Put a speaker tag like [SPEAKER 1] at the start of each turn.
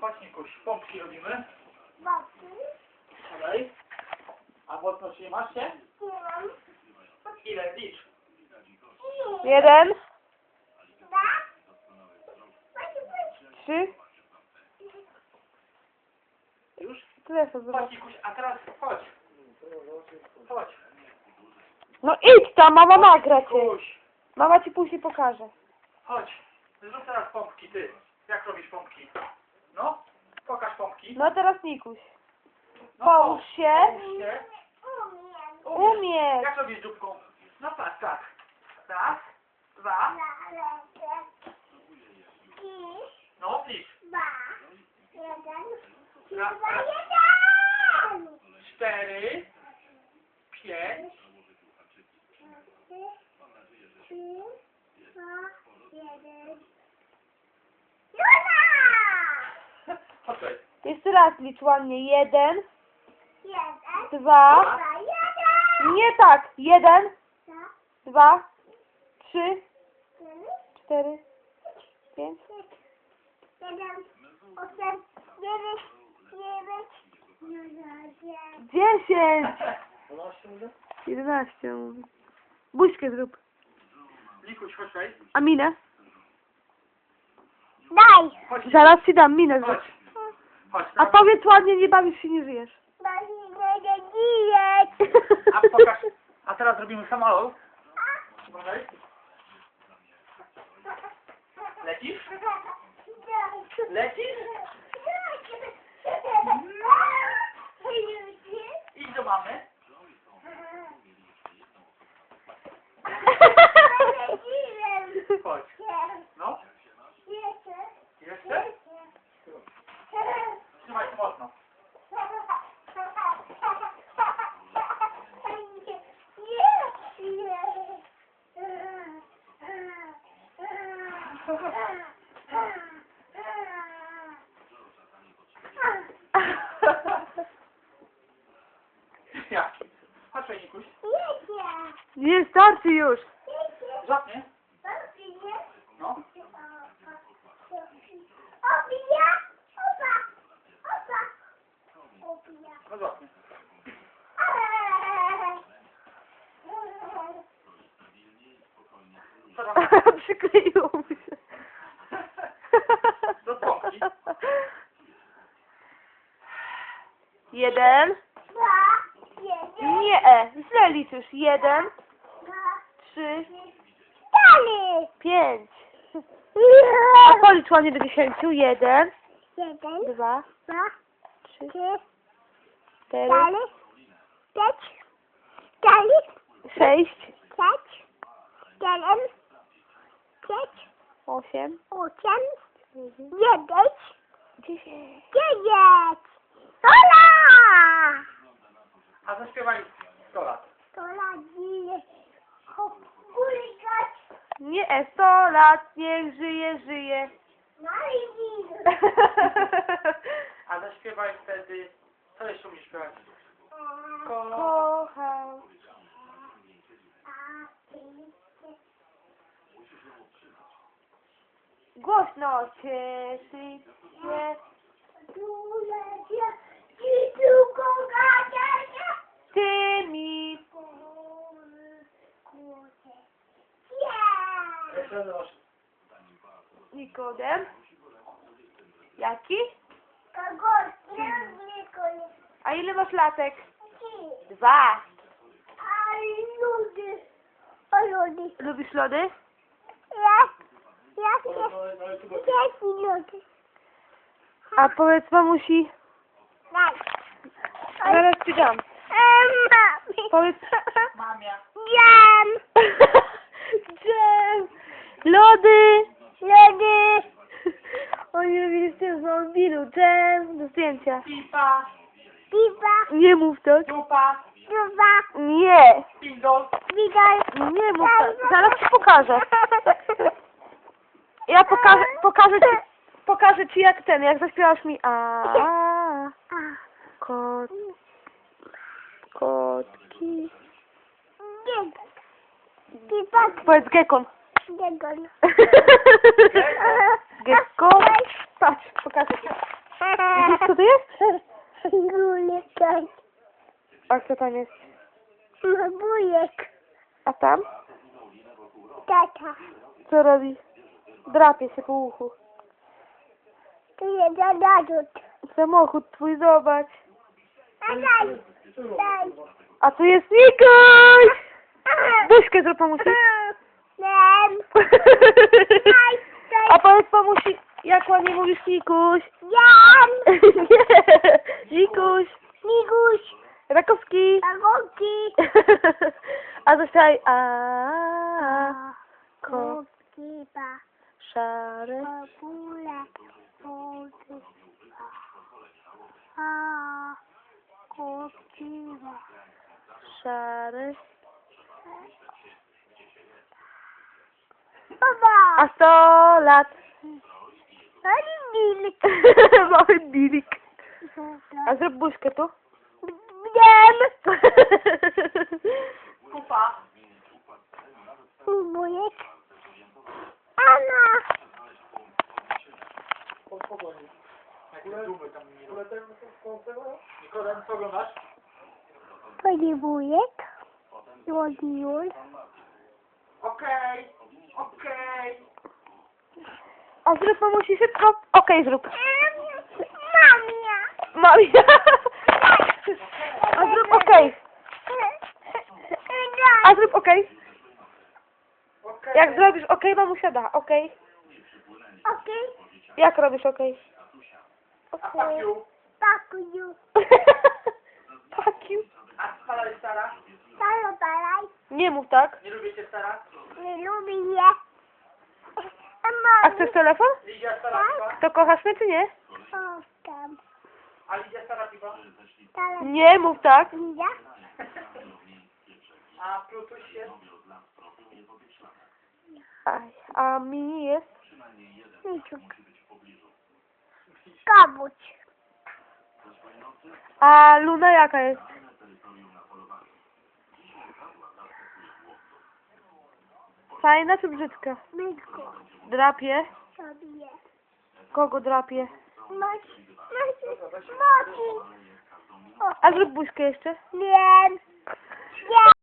[SPEAKER 1] Chodź Nikuś, pompki robimy.
[SPEAKER 2] Babki.
[SPEAKER 1] Dalej. A mocno trzymasz się?
[SPEAKER 2] Nie mam.
[SPEAKER 1] Ile? Licz.
[SPEAKER 3] 1,
[SPEAKER 2] Dwa.
[SPEAKER 3] 3.
[SPEAKER 1] Już?
[SPEAKER 3] Tyle sobie zobacz.
[SPEAKER 1] Chodź Nikuś, a teraz chodź. Chodź.
[SPEAKER 3] No idź tam, mama nagra cię.
[SPEAKER 1] Nikuś,
[SPEAKER 3] Mama ci później pokaże.
[SPEAKER 1] chodź. Zrób teraz pompki, ty. Jak robisz pompki? No, pokaż pompki.
[SPEAKER 3] No teraz Nikuś.
[SPEAKER 1] No,
[SPEAKER 3] Połóż się.
[SPEAKER 1] Połóż się.
[SPEAKER 2] Umiem.
[SPEAKER 3] Umiesz.
[SPEAKER 1] Jak robisz dzióbką? No tak, tak. Raz, dwa, no licz. Raz, raz, 4, 5, okej.
[SPEAKER 3] Jeszcze raz licz ładnie. 1, 2. Nie tak. 1, 2, 3, 4, 5. 10. 11 mówi. Buźkę zrób.
[SPEAKER 1] Nikuś, chodź tutaj.
[SPEAKER 3] A minę?
[SPEAKER 2] Daj!
[SPEAKER 1] Chodź,
[SPEAKER 3] Zaraz ci dam minę zrób.
[SPEAKER 1] chodź. Chodź,
[SPEAKER 3] A
[SPEAKER 1] dawaj.
[SPEAKER 3] powiedz ładnie, nie bawisz się, nie żyjesz.
[SPEAKER 1] A pokaż. A teraz robimy samolot. Uważaj. Lecisz? Lecisz? Idź do mamy. Chodź. No. Jeszcze? Trzymaj się mocno. Jaki? Chodź, Nikuś.
[SPEAKER 3] Nie, starczy już.
[SPEAKER 1] Żadnie. No. No żadnie. Co tam?
[SPEAKER 3] Przykleiło mu się.
[SPEAKER 1] Do pompki.
[SPEAKER 3] 1. Nie, źle liczysz. 1, 3, 5. A policz ładnie do 10. 1, 2, 3, 4, 6, 8, 10.
[SPEAKER 1] A zaśpiewaj 100 lat.
[SPEAKER 3] Nie, 100 lat, niech żyje, żyje.
[SPEAKER 1] A zaśpiewaj wtedy... Co jeszcze umiesz śpiewać?
[SPEAKER 3] Kocham. Głośno cieszy się. Tymi.
[SPEAKER 1] Jeszcze raz masz.
[SPEAKER 3] Nikodem. Jaki? A ile masz latek? 2. Lubisz lody? A powiedz mamusi. Zaraz ci dam. Powiedz.
[SPEAKER 1] Mamia.
[SPEAKER 3] Dżem. Lody. Oni robili z tym z mobilu. Dżem. Do zdjęcia.
[SPEAKER 1] Pipa.
[SPEAKER 3] Nie mów tak.
[SPEAKER 1] Dupa.
[SPEAKER 3] Nie.
[SPEAKER 1] Pindol.
[SPEAKER 3] Nie mów tak. Zaraz ci pokażę. Ja pokażę ci jak zaśpiewasz mi kotki. Powiedz gekon. Gekon. Patrz, pokażę ci. tam jest?
[SPEAKER 2] Wujek.
[SPEAKER 3] A tam?
[SPEAKER 2] Tata.
[SPEAKER 3] Co robi? Drapie się po uchu.
[SPEAKER 2] To jest narzut.
[SPEAKER 3] Samochód twój, zobacz.
[SPEAKER 2] A daj. Daj.
[SPEAKER 3] A tu jest Mikoś! Buźkę zrób mamusi.
[SPEAKER 2] Nem.
[SPEAKER 3] A powiedz mamusi, jak ładnie mówisz Mikuś.
[SPEAKER 2] Jan.
[SPEAKER 3] Nie, Mikuś.
[SPEAKER 2] Miguś.
[SPEAKER 3] Rakowski.
[SPEAKER 2] Agoki.
[SPEAKER 3] A zaśpiewaj. A
[SPEAKER 2] Kokiba.
[SPEAKER 3] szary.
[SPEAKER 2] Popule. A. Kokiba.
[SPEAKER 3] Szary.
[SPEAKER 2] Baba.
[SPEAKER 3] A 100 lat.
[SPEAKER 2] Ani
[SPEAKER 3] Mały bilik. A zrób buźkę tu.
[SPEAKER 2] Wiem.
[SPEAKER 1] Kupa.
[SPEAKER 2] Wujek. Anna.
[SPEAKER 1] Spokojnie. Jakieś dumy tam nie Nikodem, co oglądasz?
[SPEAKER 2] Panie wujek. Łodziły.
[SPEAKER 1] Okej. Okej.
[SPEAKER 3] A zrób mamusi szybko. Okej, zrób.
[SPEAKER 2] Mamia.
[SPEAKER 3] Mamia. A zrób okej. A zrób okej.
[SPEAKER 1] Okej.
[SPEAKER 3] Jak zrobisz okej, mamusia da. Okej.
[SPEAKER 2] Okej.
[SPEAKER 3] Jak robisz okej?
[SPEAKER 1] A pakiu?
[SPEAKER 2] Pakuju.
[SPEAKER 3] Fuck you.
[SPEAKER 1] A stara jest stara?
[SPEAKER 2] Halo, balaj.
[SPEAKER 3] Nie mów tak.
[SPEAKER 1] Nie lubię cię stara?
[SPEAKER 2] Nie lubię je.
[SPEAKER 3] A chcesz telefon?
[SPEAKER 1] Lidia stara piwa?
[SPEAKER 3] To kochasz mnie czy nie?
[SPEAKER 2] O, tam.
[SPEAKER 1] A Lidia stara piwa?
[SPEAKER 2] Teraz
[SPEAKER 3] Nie mów tak.
[SPEAKER 2] ja.
[SPEAKER 1] A Plutuś jest?
[SPEAKER 3] Aj, a mini jest?
[SPEAKER 2] Miciuk. Kabuć.
[SPEAKER 3] A Luna jaka jest? Fajna czy brzydka?
[SPEAKER 2] Myku.
[SPEAKER 3] Drapie?
[SPEAKER 2] Sobie.
[SPEAKER 3] Kogo drapie?
[SPEAKER 2] Maci. Maci.
[SPEAKER 3] A zrób buźkę jeszcze.
[SPEAKER 2] Wiem. Wiem.